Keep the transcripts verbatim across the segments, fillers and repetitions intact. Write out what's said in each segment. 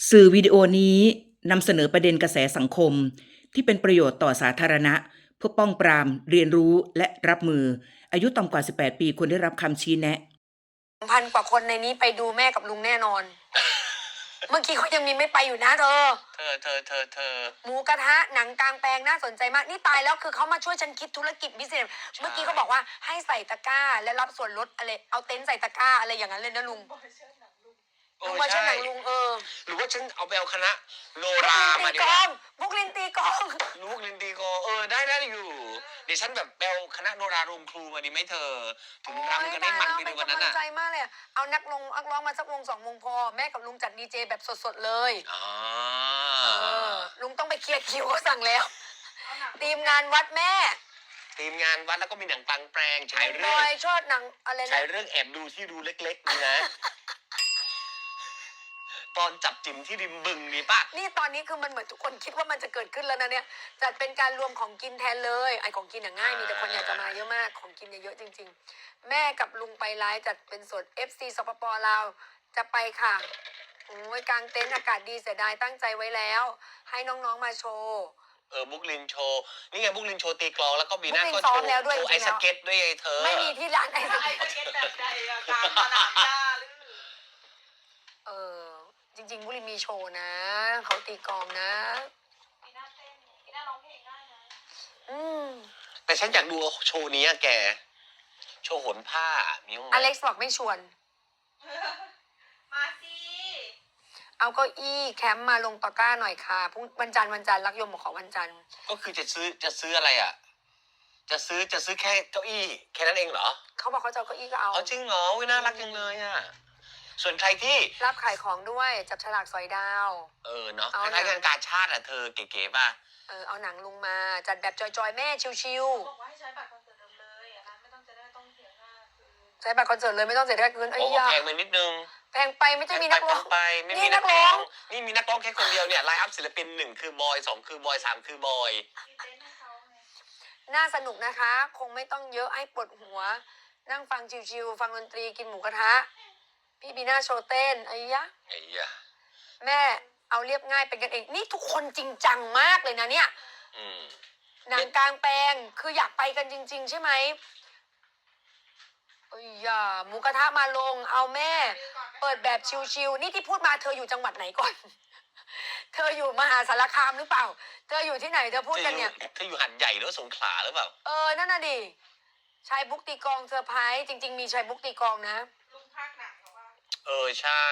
สื่อวิดีโอนี้นำเสนอประเด็นกระแสสังคมที่เป็นประโยชน์ต่อสาธารณะเพื่อป้องปรามเรียนรู้และรับมืออายุต่ำกว่าสิบแปดปีควรได้รับคำชี้แนะพันกว่าคนในนี้ไปดูแม่กับลุงแน่นอน เมื่อกี้เขายังมีไม่ไปอยู่นะเธอเธอเธอเธอเธอหมูกระทะหนังกลางแปลงน่าสนใจมากนี่ตายแล้วคือเขามาช่วยฉันคิดธุรกิจพิเศษเมื่อกี้เขาบอกว่าให้ใส่ตะกร้าและรับส่วนลดอะไรเอาเต็นท์ใส่ตะกร้าอะไรอย่างนั้นเลยนะลุงลุงมาช่วยหนังลุงเออหรือว่าฉันเอาไปเอาคณะโนบุกราลินตีมาดีกว่าองบุกลินตีกองลูกลินดีโกเออได้ได้อยู่เดี๋ยวฉันแบบไปเอาคณะโนราโรงครูมาดีไหมเธอถึงรำกันให้มันไปในวันนั้นอ่ะอ่ะใจมากเลยเอานักลงนักร้องมาสักวงสองวงพอแม่กับลุงจัดดีเจแบบสดๆเลยอ๋อลุงต้องไปเคลียร์คิวเขาสั่งแล้วทีมงานวัดแม่ทีมงานวัดแล้วก็มีหนังกลางแปลงฉายเรื่องชอบหนังอะไรนะฉายเรื่องแอบดูที่รูเล็กๆนี่นะตอนจับจิ๋มที่ริมบึงนี่ปะนี่ตอนนี้คือมันเหมือนทุกคนคิดว่ามันจะเกิดขึ้นแล้วนะเนี่ยจัดเป็นการรวมของกินแทนเลยไอ้ของกินอย่างง่ายมีแต่คนอยากจะมาเยอะมากของกินเยอะจริงๆแม่กับลุงไปไลฟ์จัดเป็นสด เอฟ ซี สปปลาวจะไปค่ะโอ้ยกลางเต็นท์อากาศดีเสียดายตั้งใจไว้แล้วให้น้องๆมาโชว์เออบุ๊กลินโชว์นี่ไงบุ๊กลินโชว์ตีกลองแล้วก็มีหน้าก็โชว์ไอ้สเก็ตด้วยเธอไม่มีที่ร้านไอ้สเก็ตแบบใดกลางสนามหญ้าหรือเออจริงๆบุรีมีโชว์นะเขาตีกลองนะมีหน้าเต้นมีหน้าร้องเพลงได้นะอืมแต่ฉันอยากดูโชว์นี้อะแกโชว์โหนผ้ามีมั้ยอเล็กซ์บอกไม่ชวนมาสิเอาเก้าอี้แคมป์มาลงตะกร้าหน่อยค่ะพรุ่งวันจันทร์วันจันทร์รักยมบอกขอวันจันทร์ก็คือจะซื้อจะซื้ออะไรอ่ะจะซื้อจะซื้อแค่เก้าอี้แค่นั้นเองเหรอเขาบอกเขาจะเอาเก้าอี้ก็เอาอ๋อจริงเหรอวิน่ารักจังเลยอ่ะส่วนใครที่รับขายของด้วยจับฉลากสอยดาวเออเนาะคล้ายๆงานกาชาติอ่ะเธอเก๋ๆป่ะเออเอาหนังลุงมาจัดแบบจอยๆแม่ชิวๆบอกว่าให้ใช้บัตรคอนเสิร์ตเดิมเลยอันนั้นไม่ต้องจะได้ต้องเสียค่าคือใช้บัตรคอนเสิร์ตเลยไม่ต้องเสียค่าคืนไอ้ยาแพงไปนิดนึงแพงไปไม่ใช่มีนักร้องไปไม่มีนักร้องนี่มีนักร้องแค่คนเดียวเนี่ยไลน์อัพศิลปินหนึ่งคือบอยสองคือบอยสามคือบอยน่าสนุกนะคะคงไม่ต้องเยอะให้ปวดหัวนั่งฟังชิวๆฟังดนตรีกินหมูกระทะพี่บีน่าโชว์เต้นไอ้ยะไอ้ยะแม่เอาเรียบง่ายเป็นกันเองนี่ทุกคนจริงจังมากเลยนะเนี่ยหนังกลางแปลงคืออยากไปกันจริงๆใช่ไหมเอ้ยอย่าหมูกระทะมาลงเอาแม่เปิดแบบชิวๆนี่ที่พูดมาเธออยู่จังหวัดไหนก่อนเธออยู่มหาสารคามหรือเปล่าเธออยู่ที่ไหนเธอพูดกันเนี่ยเธออยู่หัดใหญ่หรือสงขลาหรือเปล่าเออนั่นน่ะดิชายบุ๊กตีกองเซอร์ไพรส์จริงๆมีชายบุ๊กตีกองนะลุงภาคหนังเขาว่าเออใช่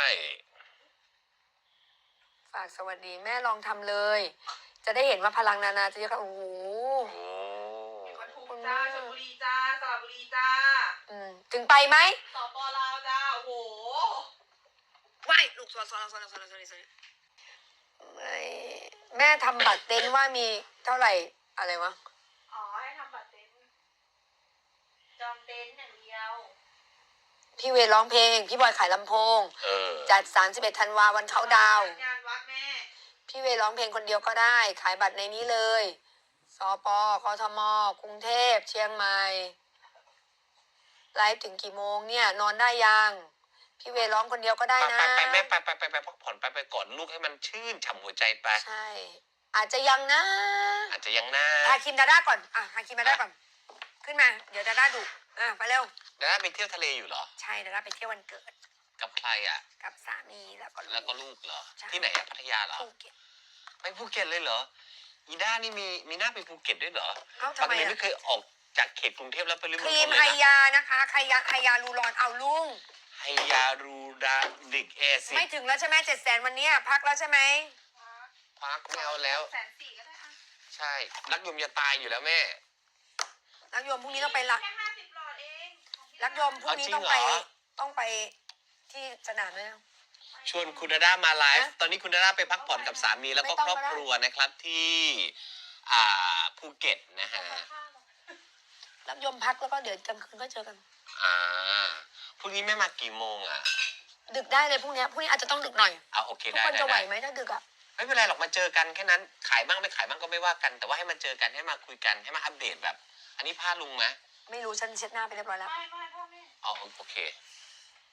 ฝากสวัสดีแม่ลองทำเลยจะได้เห็นว่าพลังนานาจะเยอะค่ะโอ้โหปทุมจ้าชลบุรีจ้าสระบุรีจ้าอืมถึงไปไหมสปลาวจ้าโอ้โหว้ายลูกสอนสอนสอนสอนสอนสอนไม่แม่ทำบัตรเต็นท์ว่ามีเท่าไหร่อะไรวะอ๋อให้ทำบัตรเต็นท์จองเต็นท์อย่างเดียวพี่เวร้องเพลงพี่บอยขายลำโพงจัดสามสิบเอ็ดธันวาวันเขาดาวงานวัดแม่พี่เวร้องเพลงคนเดียวก็ได้ขายบัตรในนี้เลยสปกทมกรุงเทพเชียงใหม่ไลฟ์ถึงกี่โมงเนี่ยนอนได้ยังพี่เวร้องคนเดียวก็ได้นะไปไปแม่ไปไปไปไปพักผ่อนไปไปก่อนลูกให้มันชื่นฉ่ำหัวใจไปใช่อาจจะยังนะอาจจะยังนะฮาคิมดาด้าก่อนอ่ะฮาคิมดาด้าก่อนขึ้นมาเดี๋ยวดาด้าดุอ่ะไปเร็วดาด้าไปเที่ยวทะเลอยู่เหรอใช่ดาด้าไปเที่ยววันเกิดกับใครอ่ะกับสามีแล้วก็แล้วก็ลูกเหรอที่ไหนอะพัทยาเหรอภูเก็ตไปภูเก็ตเลยเหรออีด้านี่มีมีหน้าไปภูเก็ตด้วยเหรอปกติไม่เคยออกจากเขตกรุงเทพแล้วไปริมณฑลครีมไฮยานะคะไฮยาไฮยาลูรอนเอาลุงไฮยารูดาดิกแอซิดไม่ถึงแล้วใช่ไหมเจ็ดแสนวันนี้พักแล้วใช่ไหมพักไม่เอาแล้วแสนสี่ก็ได้อ่ะใช่รักยมจะตายอยู่แล้วแม่รักยมพรุ่งนี้ต้องไปละแค่ห้าสิบหลอดเองรักยมพรุ่งนี้ต้องไปต้องไปที่สนามไหมชวนคุณดาด้ามาไลฟ์ตอนนี้คุณดาด้าไปพักผ่อนกับสามีแล้วก็ครอบครัวนะครับที่อ่าภูเก็ตนะฮะรักยมพักแล้วก็เดี๋ยวกลางคืนก็เจอกันอ่าพรุ่งนี้แม่มากี่โมงอ่ะดึกได้เลยพรุ่งนี้พรุ่งนี้อาจจะต้องดึกหน่อยอ่าโอเคได้ทุกคนจะไหวไหมถ้าดึกอ่ะไม่เป็นไรหรอกมาเจอกันแค่นั้นขายบ้างไม่ขายบ้างก็ไม่ว่ากันแต่ว่าให้มาเจอกันให้มาคุยกันให้มาอัปเดตแบบอันนี้พาลุงไหมไม่รู้ฉันเช็ดหน้าไปเรียบร้อยแล้วไม่ไม่พ่อแม่อ๋อโอเค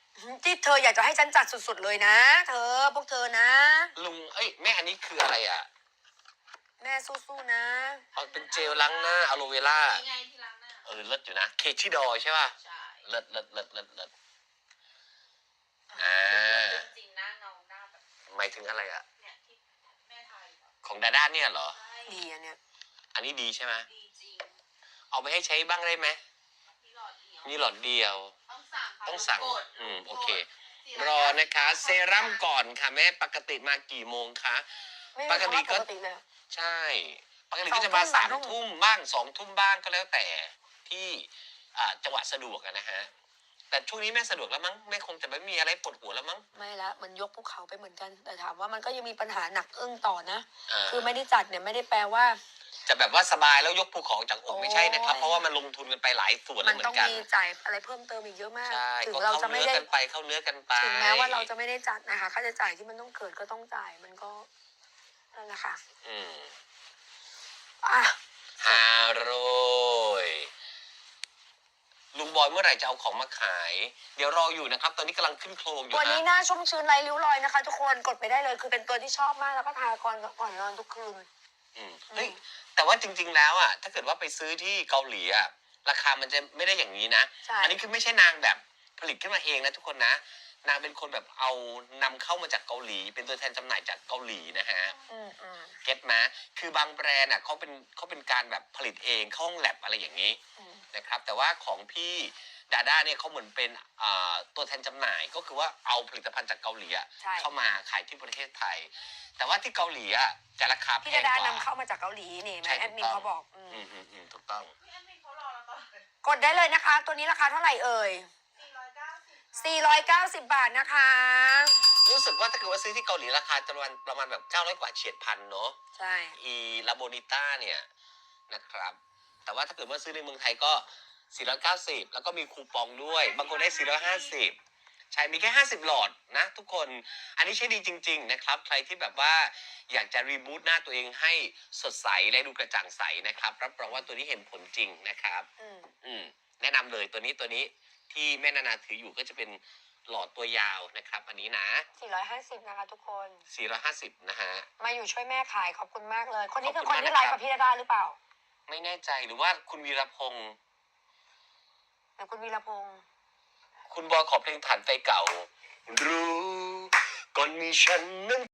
ที่เธออยากจะให้ฉันจัดสุดๆเลยนะ เธอพวกเธอนะลุงเอ้ยแม่อันนี้คืออะไรอ่ะแม่สู้ๆนะเอาเป็นเจลล้างหน้าอะโลเวล่านี่ไงที่ล้างหน้าเออเลิศอยู่นะเคชิดอยใช่ป่ะใช่เลิศเลิศเลิศเลิศเลิศอ่าจริงๆหน้าเงาหน้าแบบหมายถึงอะไรอ่ะเนี่ยที่แม่ไทยอะของดาด้าเนี่ยเหรอใช่ดีอันเนี้ยอันนี้ดีใช่ไหมดีจริงเอาไปให้ใช้บ้างได้ไหมมีหลอดเดียวนี่หลอดเดียวต้องสั่งค่ะต้องสั่งกดอืมโอเคกดรอนะคะ เซรั่มก่อนค่ะแม่ปกติมากี่โมงคะไม่ปมีกคำติว่าปก็กติเลยใช่ ปกติก็จะมาสอสาง มทุ่มทุ่มบ้างสองทุ่มบ้างก็แล้วแต่ที่อ่าจังหวะสะดวกอะนะฮะ แต่ช่วงนี้แม่สะดวกแล้วมั้งแม่คงจะไม่มีอะไรปวดหัวแล้วมั้งไม่ละมันยกภูเขาไปเหมือนกัน แต่ถามว่ามันก็ยังมีปัญหาหนักอึ้งต่อนะอ่าคือไม่ได้จัดเนี่ยไม่ได้แปลว่าจะแบบว่าสบายแล้วยกภูเขาจากอกไม่ใช่นะครับโอ้ยเพราะว่ามันลงทุนกันไปหลายส่วนมัแล้วนเหมือต้องนกันมีจ่ายอะไรเพิ่มเติมอีกเยอะมากใช่ถึงก็เราเข้าจะไม่เนื้อได้กันไปเข้าเนื้อกันไปถึงแม้ว่าเราจะไม่ได้จัดนะคะค่าใช้จ่ายที่มันต้องเกิดก็ต้องจ่ายมันก็นั่นแหละค่ะอืมอ่ะฮาโรยลุงบอยเมื่อไหร่จะเอาของมาขาย เดี๋ยวรออยู่นะครับ ตอนนี้กำลังขึ้นโครงอยู่ตัวนี้ฮะหน้าชุ่มชื้นไร้ริ้วรอยนะคะ ทุกคนกดไปได้เลยคือเป็นตัวที่ชอบมากแล้วก็ทาก่อนก่อนนอนทุกคืนอืมเฮ้ยแต่ว่าจริง ๆ แล้วอ่ะถ้าเกิดว่าไปซื้อที่เกาหลีอ่ะราคามันจะไม่ได้อย่างนี้นะใช่อันี้คือไม่ใช่นางแบบผลิตขึ้นมาเองนะทุกคนนะ นางเป็นคนแบบเอานำเข้ามาจากเกาหลี เป็นตัวแทนจำหน่ายจากเกาหลีนะฮะอืมอืมเก็ตไหมคือบางแบรนด์อ่ะเขาเป็นเขาเป็นการแบบผลิตเองเข้าห้องแลบอะไรอย่างนี้อืมนะครับ แต่ว่าของพี่ดาด้าเนี่ยเขาเหมือนเป็นอ่าตัวแทนจำหน่ายก็คือว่าเอาผลิตภัณฑ์จากเกาหลีอะใช่เข้ามาขายที่ประเทศไทย แต่ว่าที่เกาหลีอ่ะจะราคาแพพี่งดาก ดาว่านำเข้ามาจากเกาหลีนี่ไหมใช่แอดมินถูกต้องเขาบอกอืมอืมอืมอืมถูกต้องพี่แอดมินเขารอเราตลอดเลยกดได้เลยนะคะ ตัวนี้ราคาเท่าไหร่เอ่ยสี่ร้อยเก้าสิบสี่ร้อยเก้าสิบบาทนะคะรู้สึกว่าถ้าเกิดว่าซื้อที่เกาหลีราคาจะประมาณประมาณแบบเก้าร้อยกว่าเฉียดพันเนาะใช่อีลาโบนิต้าเนี่ยนะครับ แต่ว่าถ้าเกิดว่าซื้อในเมืองไทยก็สี่ร้อยเก้าสิบแล้วก็มีคูปองด้วย บางคนได้สี่ร้อยห้าสิบใช่มีแค่ห้าสิบหลอดนะทุกคนอันนี้ใช้ดีจริง ๆ นะครับ ใครที่แบบว่าอยากจะรีบูตหน้าตัวเองให้สดใสและดูกระจ่างใสนะครับรับรองว่าตัวนี้เห็นผลจริงนะครับอืมอืมแนะนำเลยตัวนี้ตัวนี้ที่แม่นานาถืออยู่ก็จะเป็นหลอดตัวยาวนะครับ อันนี้นะสี่ร้อยห้าสิบนะคะทุกคนสี่ร้อยห้าสิบนะฮะมาอยู่ช่วยแม่ขายขอบคุณมากเลย คนนี้ขคือบอคุคณนมากที่ไลฟ์นะครับกับพี่ดาดาหรือเปล่าไม่แน่ใจหรือว่าคุณวีรพงศ์เดี๋ยวคุณวีรพงษ์คุณบอยขอเพลงฐานไฟเก่า รู้ก่อนมีฉันนั้น